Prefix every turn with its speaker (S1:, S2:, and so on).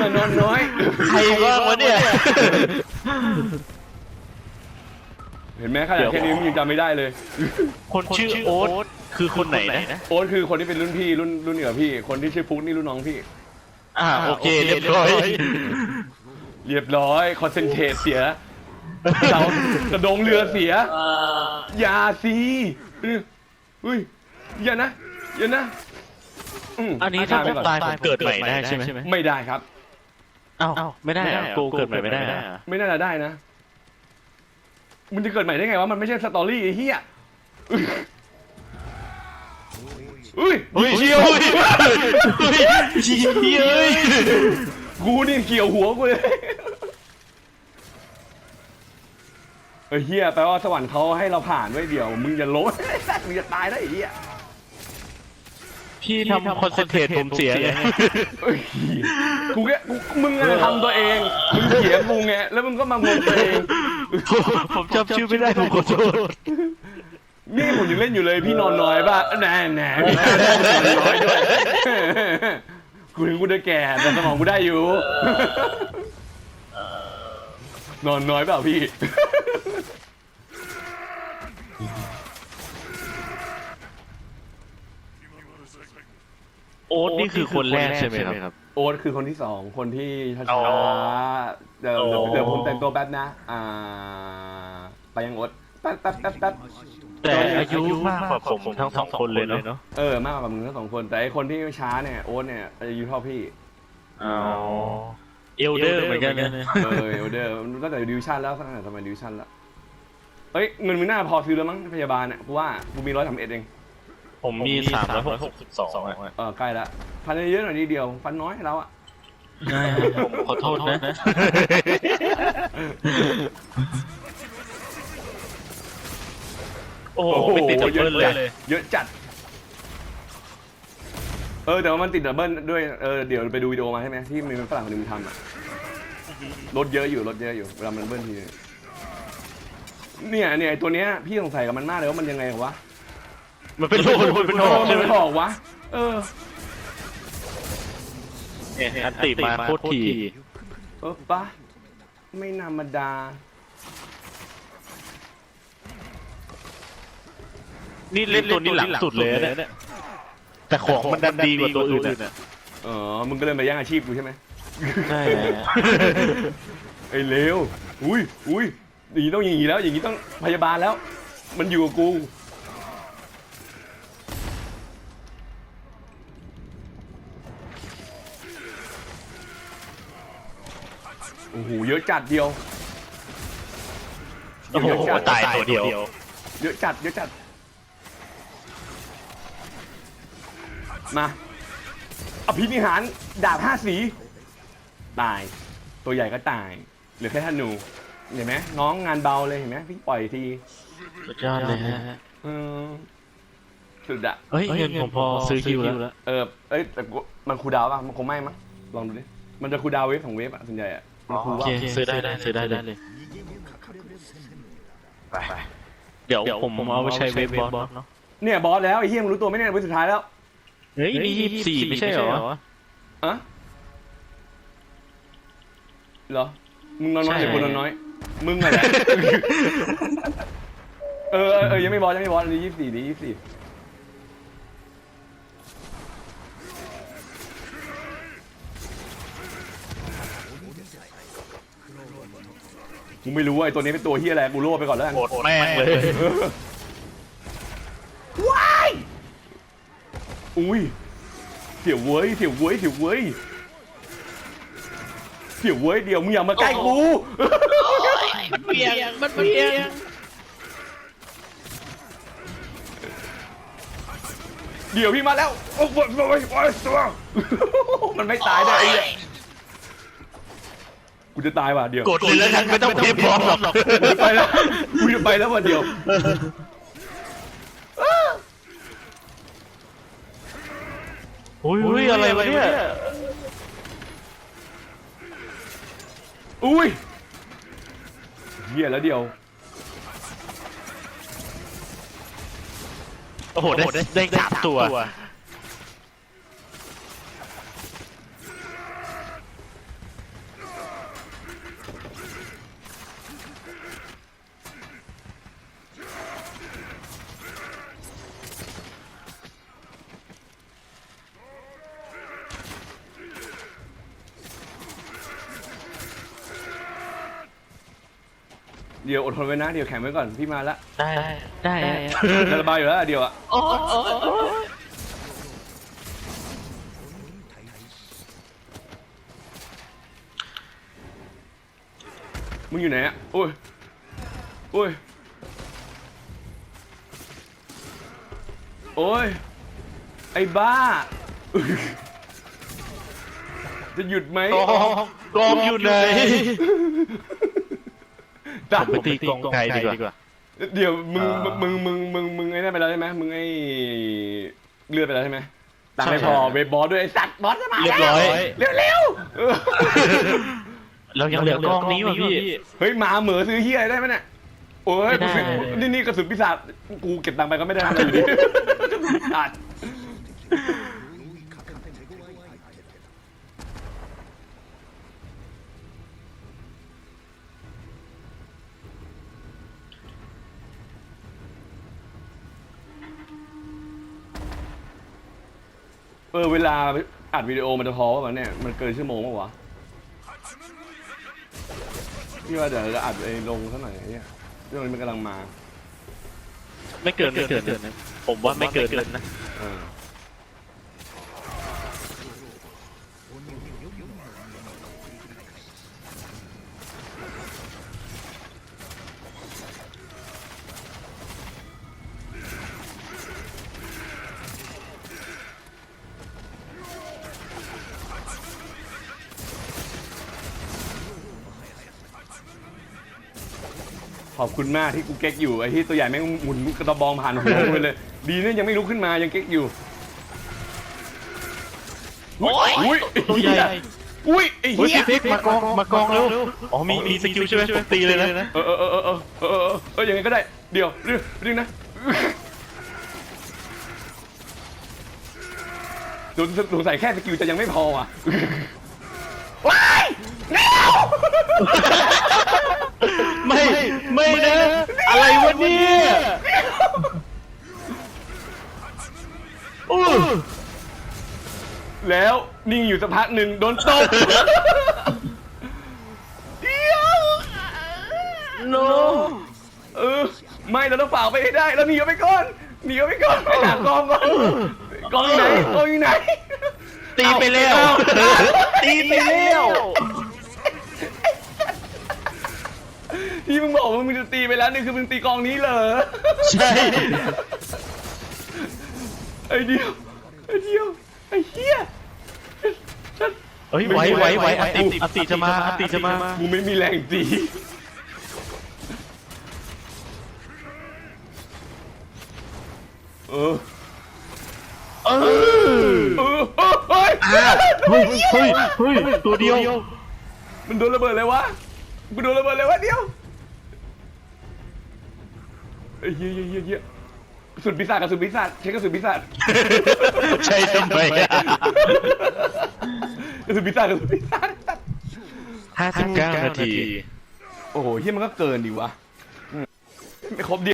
S1: นอนน้อย
S2: ใครบ้างวะเนี่ย
S1: เห็นไหมขนาดแค่นี้มึงยังจำไม่ได้เลย
S2: คนชื่อโอ๊ตคือคนไหนนะ
S1: โอ๊ตคือคนที่เป็นรุ่นพี่รุ่นเหนือพี่คนที่ชื่อฟุกนี่รุ่นน้องพี่
S2: โอเคเรียบร้อย
S1: คอนเซนเทรตเสียเรากระดงเรือเสียอย่าสิอุ้ยอย่านะ
S2: อันนี้ถ้าผมตายผมเกิดใหม่ได้ใช่ไหม
S1: ไม่ได้ครับ
S2: อ้าวไม่ได้กูเกิดใหม่ไม่ได้
S1: ไม่น่าจะได้นะมันจะเกิดใหม่ได้ไงวะมันไม่ใช่สตอรี่ไอ้เหี้ยเชี่ยวกูนี่เกี่ยวหัวกูเลยเฮียแปลว่าสวรรค์เขาให้เราผ่านไว้เดี๋ยวมึงอย่าล้มมึงจะตายได้ไอ้เหี้ย
S2: พี่ทำคอนเซนเทรตผมเสียเลย
S1: มึงทำตัวเองมึงเสียกูไงแล้วมึงก็มางงตัวเอง
S2: ผมจำชื่อไม่ได้ผมขอโทษ
S1: นี่ผมยังเล่นอยู่เลยพี่นอนน้อยป่ะแน่พี่นอนน้อยด้วยกูถึงกูจะแก่แต่สมองกูได้อยู่นอนน้อยเปล่าพี่
S2: โอ๊ตนี่คือคนแรกใช่ไหมครับ
S1: โอ๊ตคือคนที่สองคนที่ช้าๆเดี๋ยวผมแต่งตัวแป๊บนะไปยังโอ๊ตแป๊บ
S2: แต่อายุมากกว่าผมทั้งสองคนเลยเนาะ
S1: มากกว่ามึงทั้งสองคนแต่ไอคนที่ช้าเนี่ยโอ๊ตเนี่ยอายุเท่าพี่
S2: เอลเดอร์เหมือนกันนะ
S1: เอลเดอร์ตั้งแต่ดิวชั่นแล้วตั้งแต่สมัยดิวชั่นแล้วเงินมึงน่าพอซื้อแล้วมั้งพยาบาลเนี่ยกูว่ากูมี131เอง
S2: ผมมี362
S1: ใกล้ละฟันเยอะหน่อยนิดเดียวฟันน้อยเราอะ
S2: ผมขอโทษนะโอ้โหติดดับเบิลเลย
S1: เยอะจัดแต่ว่ามันติดดับเบิลด้วยเดี๋ยวไปดูวิดีโอมาใช่ไหมที่มีฝรั่งคนนึงทำอะรถเยอะอยู่เวลามันเบิ้ลทีเนี่ยตัวเนี้ยพี่สงสัยกับมันมากเลยว่ามันยังไงวะ
S2: มันเป็นโลเป็น
S1: หอกวะ
S2: อันติมาโคตรที
S1: ปะไม่ธรรมดา
S2: นี่เล่นตัวนี้หลังสุดเลยเนี่ยแต่ของมันดันดีกว่าตัวอื่นอ่ะ
S1: มึงก็เลยมาแย่งอาชีพกูใช่ไหม
S2: ใช่
S1: ไอ้เลวอุ้ยอย่างนี้ต้องอย่างนี้แล้วอย่างนี้ต้องพยาบาลแล้วมันอยู่กับกูโอ้โหเยอะจัดเดียว
S2: ตายตัวเดียว
S1: เยอะจัดมาอภินิหารดาบ5 สีตายตัวใหญ่ก็ตายเหลือแค่ธนูเห็นไหมน้องงานเบาเลยเห็นไหมพี่ปล่อยที
S2: สุดยอดเลยฮะ
S1: สุดอะ
S2: เงินผมพอซื้อคิวแล้ว
S1: แต่มันคูลดาวน์ป่ะมันคงไม่มั้งลองดูดิมันจะคูลดาวน์เวฟของเวฟอะส่วนใหญ่อะ
S2: โอเคซื้อได้เลยไปเดี๋ยวผมเอาไปใช้เวฟบอสเนาะ
S1: เนี่ยบอสแล้วไอ้เหี้ยมึงรู้ตัวไหมเนี่ยเวฟสุดท้ายแล้ว
S2: เฮ้ยนี่24ไม่ใช่เหรอ
S1: เหรอมึงนอนน้อยหรือกูนอนน้อยมึงอะไรยังไม่บอสอันนี้24นี่24กูไม่รู้ว่าไอ้ตัวนี้เป็นตัวเฮียอะไรกูโล่ไปก่อนแล้วกัน
S2: โกรธแม่งเลย
S1: ว้ายอุ้ยเสียวเว้ยเดี๋ยวมึงอย่ามาใกล้กู
S2: มันเปียง
S1: เดี๋ยวพี่มาแล้วโอ้โหมันไม่ตายได้ไอ้เนี่ยกูจะตายว่ะเดี๋ยว
S2: กดเลยแล้วฉันไม่ต้องเพียบพร้อมหรอก
S1: กูจะไปแล้วว่ะเดี๋ยว
S2: อุ้ยอะไรวะเนี่ย
S1: อุ้ยเหี้ยแล้วเดียว
S2: โอ้โหได้3 ตัว
S1: เดี๋ยวอดทนไว้นะเดี๋ยวแข็งไว้ก่อนพี่มาละ
S2: ได้
S1: จะระบายอยู่แล้วเดี๋ยวอะ
S2: โอ้
S1: มึงอยู่ไหนอะโอ้ยโอ้ยโอ้ยไอ้บ้า จะหยุดไหม
S2: กองอยู่ไหน
S1: ตา
S2: ผมไปตีกองไกลดีกว่า
S1: เดี๋ยวมึงไอ้นั่นไปแล้วใช่ไหมมึงไอ้เลือดไปแล้วใช่ไหมตังค์ไม่พอเวบบอสด้วยไอ้สัตว์บอสจะมา
S2: เรียบร้อย
S1: เร็วๆเออ
S2: เรายังเหลือกองนี้ว่ะพี่
S1: เฮ้ยหมาเหมือซื้อเฮียอะไรได้ไหมเนี่ยโอ้ย
S2: ไม่ได้
S1: นี่กระสุนปีศาจกูเก็บตังค์ไปก็ไม่ได้อะไรอยู่ดีกระสุนปีศาจเวลาอัดวิดีโอมันจะพอป่ะมันเนี่ยมันเกินชั่วโมงป่ะวะพี่ว่าเดี๋ยวจะอัดไอ้ลงสักหน่อยเนี่ยเรื่องนี้มันกำลังมา
S2: ไม่เกินนะผมว่าไม่เกินนะ
S1: เออขอบคุณมากที่กูเก๊กอยู่ไอ้ที่ตัวใหญ่แม่งหมุนกระบองผ่านหัวกูไปเลย ดีเนี่ยยังไม่ลุกขึ้นมายังเก๊กอยู่ อุ้ย
S2: ตัวใหญ่
S1: อุ้ยไอ้
S2: เฮ้ย
S1: เหี้ย
S2: พี่มากองเร็วอ๋อมีสกิลใช่ไหมผมตีเลยนะ
S1: ยังไงก็ได้เดี๋ยวเรื่องนะสงสัยแค่สกิลจะยังไม่พออ่ะว้ายเร็ว
S2: ไม่นะอะไรวะเนี่ยโอ้
S1: แล้วนิ่งอยู่สักพักหนึ่งโดนตบเดี๋ยว
S2: โน
S1: ไม่เราต้องฝ่าไปให้ได้เราหนีออกไปก่อนไปหากองก่อนกองอยู่ไหน
S2: ตีไปแล้วตีไปแล้ว
S1: ที่มึงบอกว่ามึงจะตีไปแล้วนี่คือมึงตีกองนี้เหรอ
S2: ใช่
S1: ไอ้เดียวไอ้เหี้ย
S2: เฮ้ยไหวอติจะมา
S1: กูไม่มีแรงตีเฮ้ย
S2: ตัวเดียว
S1: มันโดนระเบิดเลยวะกูโดนระเบิดเลยวะเดียวเฮ้ยกระสุนปีศาจใช้กระสุนปีศาจ
S2: ใช่ทำไม
S1: กระสุนปีศาจ
S2: 59 นาที
S1: โอ้โหเฮียมันก็เกินดิวะไม่ครบดิ